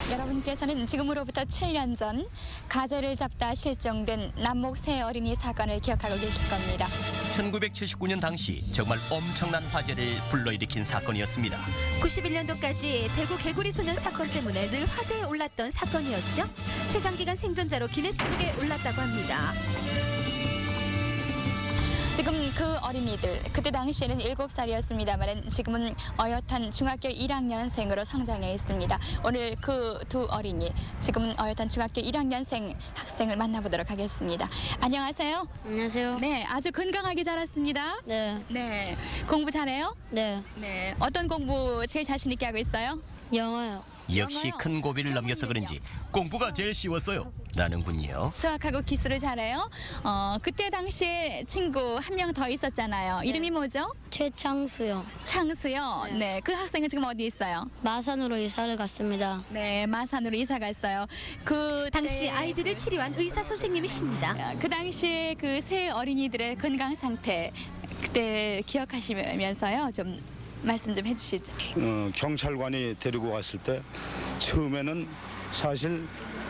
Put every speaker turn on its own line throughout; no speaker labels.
여러분께서는 지금으로부터 7년 전 가재를 잡다 실종된 남목 세 어린이 사건을 기억하고 계실 겁니다.
1979년 당시 정말 엄청난 화제를 불러일으킨 사건이었습니다.
91년도까지 대구 개구리 소년 사건 때문에 늘 화제에 올랐던 사건이었죠. 최장기간 생존자로 기네스북에 올랐다고 합니다.
지금 그 어린이들, 그때 당시에는 7살이었습니다만 지금은 어엿한 중학교 1학년생으로 성장해 있습니다. 오늘 그 두 어린이, 지금은 어엿한 중학교 1학년생 학생을 만나보도록 하겠습니다. 안녕하세요.
안녕하세요.
네, 아주 건강하게 자랐습니다.
네,
네, 공부 잘해요?
네,
네, 어떤 공부 제일 자신 있게 하고 있어요?
영어요.
역시 큰 고비를 넘겨서 그런지 공부가 제일 쉬웠어요 라는군요.
수학하고 기술을 잘해요. 그때 당시에 친구 한 명 더 있었잖아요. 이름이 뭐죠?
최창수요.
창수요. 네, 그 학생은 지금 어디 있어요?
마산으로 이사를 갔습니다.
네, 마산으로 이사 갔어요. 그
당시 아이들을 치료한 의사 선생님이십니다.
그 당시에 그 세 어린이들의 건강 상태 그때 기억하시면서요. 좀 말씀 좀 해주시죠.
경찰관이 데리고 갔을 때 처음에는 사실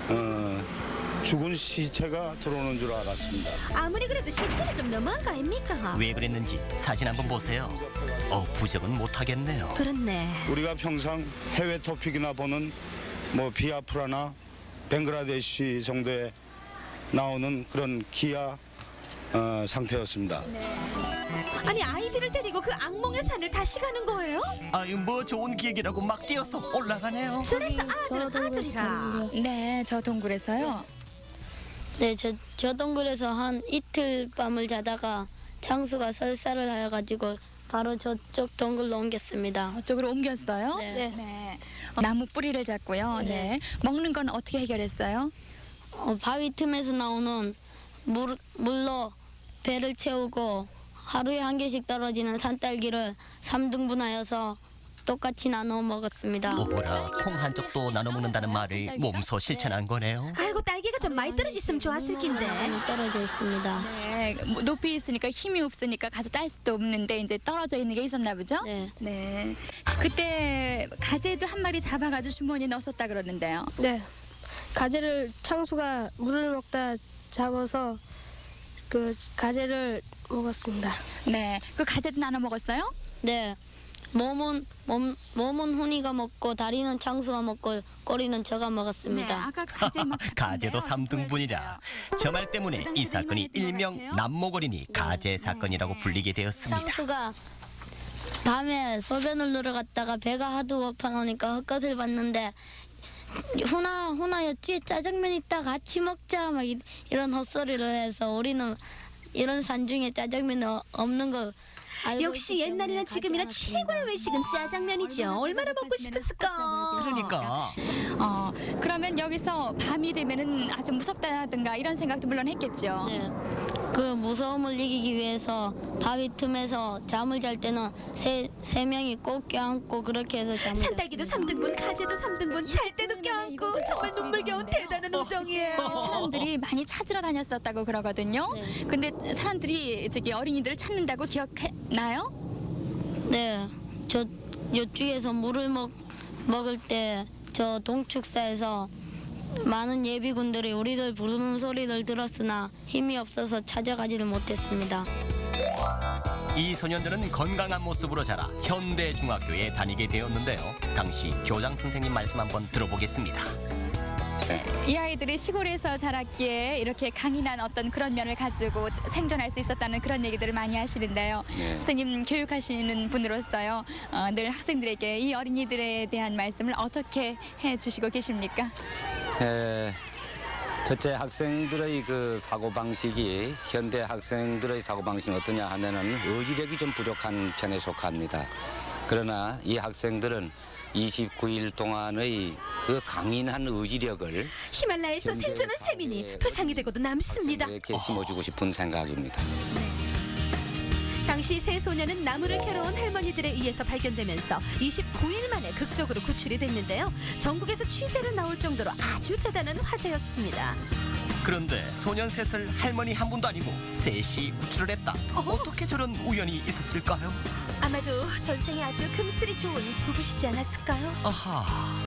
죽은 시체가 들어오는 줄 알았습니다.
아무리 그래도 시체는 좀 너무한 거 아닙니까?
왜 그랬는지 사진 한번 보세요. 부정은 못하겠네요.
그렇네.
우리가 평상 해외 토픽이나 보는 뭐 비아프라나 벵글라데시 정도에 나오는 그런 기아 상태였습니다.
아니 아이들을 데리고 그 악몽의 산을 다시 가는 거예요?
아유 뭐 좋은 기획이라고 막 뛰어서 올라가네요.
그래서 아들은 아들이라.
네, 저 동굴에서요.
네, 저 동굴에서 한 이틀 밤을 자다가 창수가 설사를 하여가지고 바로 저쪽 동굴로 옮겼습니다.
저쪽으로 옮겼어요.
네.
네. 나무 뿌리를 잡고요. 네. 먹는 건 어떻게 해결했어요?
바위 틈에서 나오는 물로 배를 채우고 하루에 한 개씩 떨어지는 산딸기를 3등분하여서 똑같이 나눠 먹었습니다.
오호라 콩 한 쪽도 나눠 먹는다는 말을 몸소 실천한 거네요.
아이고 딸기가 좀 많이 떨어졌으면 좋았을 낀데.
많이 떨어져 있습니다.
네, 뭐 높이 있으니까 힘이 없으니까 가서 딸 수도 없는데 이제 떨어져 있는 게 있었나 보죠?
네.
네. 그때 가재도 한 마리 잡아가지고 주머니에 넣었었다 그러는데요.
네, 가재를 창수가 물을 먹다 잡아서 그 가재를 먹었습니다.
네. 그 가재도 나눠 먹었어요?
네. 몸은 훈이가 먹고 다리는 창수가 먹고 꼬리는 제가
네.
먹었습니다.
아까 가재 막
가재도 3등분이라 저 말 때문에 이 사건이 일명 남목어린이 가재 사건이라고 불리게 되었습니다.
창수가 밤에 소변을 누러 갔다가 배가 하도 고파놓으니까 헛것을 봤는데 훈아였지 짜장면 있다 같이 먹자 막 이런 헛소리를 해서 우리는 이런 산중에 짜장면 없는 거 알고
역시
있기 때문에
옛날이나 지금이나
가지 않았습니다.
최고의 외식은 짜장면이죠. 얼마나 먹고 싶었을까.
그러니까
그러면 여기서 밤이 되면은 아주 무섭다든가 이런 생각도 물론 했겠죠.
네. 그 무서움을 이기기 위해서 바위 틈에서 잠을 잘 때는 세 명이 꼭 껴안고 그렇게 해서 잠을
산딸기도
잤습니다.
3등분, 가재도 3등분, 잘 때도 껴안고 정말 눈물겨운 대단한 우정이에요.
사람들이 많이 찾으러 다녔었다고 그러거든요.
네.
근데 사람들이 저기 어린이들을 찾는다고 기억나요?
네, 저 이쪽에서 물을 먹을 때 저 동축사에서 많은 예비군들이 우리들 부르는 소리를 들었으나 힘이 없어서 찾아가지를 못했습니다.
이 소년들은 건강한 모습으로 자라 현대중학교에 다니게 되었는데요. 당시 교장 선생님 말씀 한번 들어보겠습니다.
이 아이들이 시골에서 자랐기에 이렇게 강인한 어떤 그런 면을 가지고 생존할 수 있었다는 그런 얘기들을 많이 하시는데요. 선생님 교육하시는 분으로서요. 늘 학생들에게 이 어린이들에 대한 말씀을 어떻게 해주시고 계십니까?
첫째 학생들의 그 사고 방식이 현대 학생들의 사고 방식은 어떠냐 하면은 의지력이 좀 부족한 편에 속합니다. 그러나 이 학생들은 29일 동안의 그 강인한 의지력을
히말라야에서 생존한 세민이 표상이 되고도 남습니다.
학생들에게 심어주고 싶은 생각입니다.
당시 세 소년은 나무를 캐러 온 할머니들에 의해서 발견되면서 29일 만에 극적으로 구출이 됐는데요. 전국에서 취재를 나올 정도로 아주 대단한 화제였습니다.
그런데 소년 셋을 할머니 한 분도 아니고 셋이 구출을 했다. 어떻게 저런 우연이 있었을까요?
아마도 전생에 아주 금술이 좋은 부부시지 않았을까요?
아하.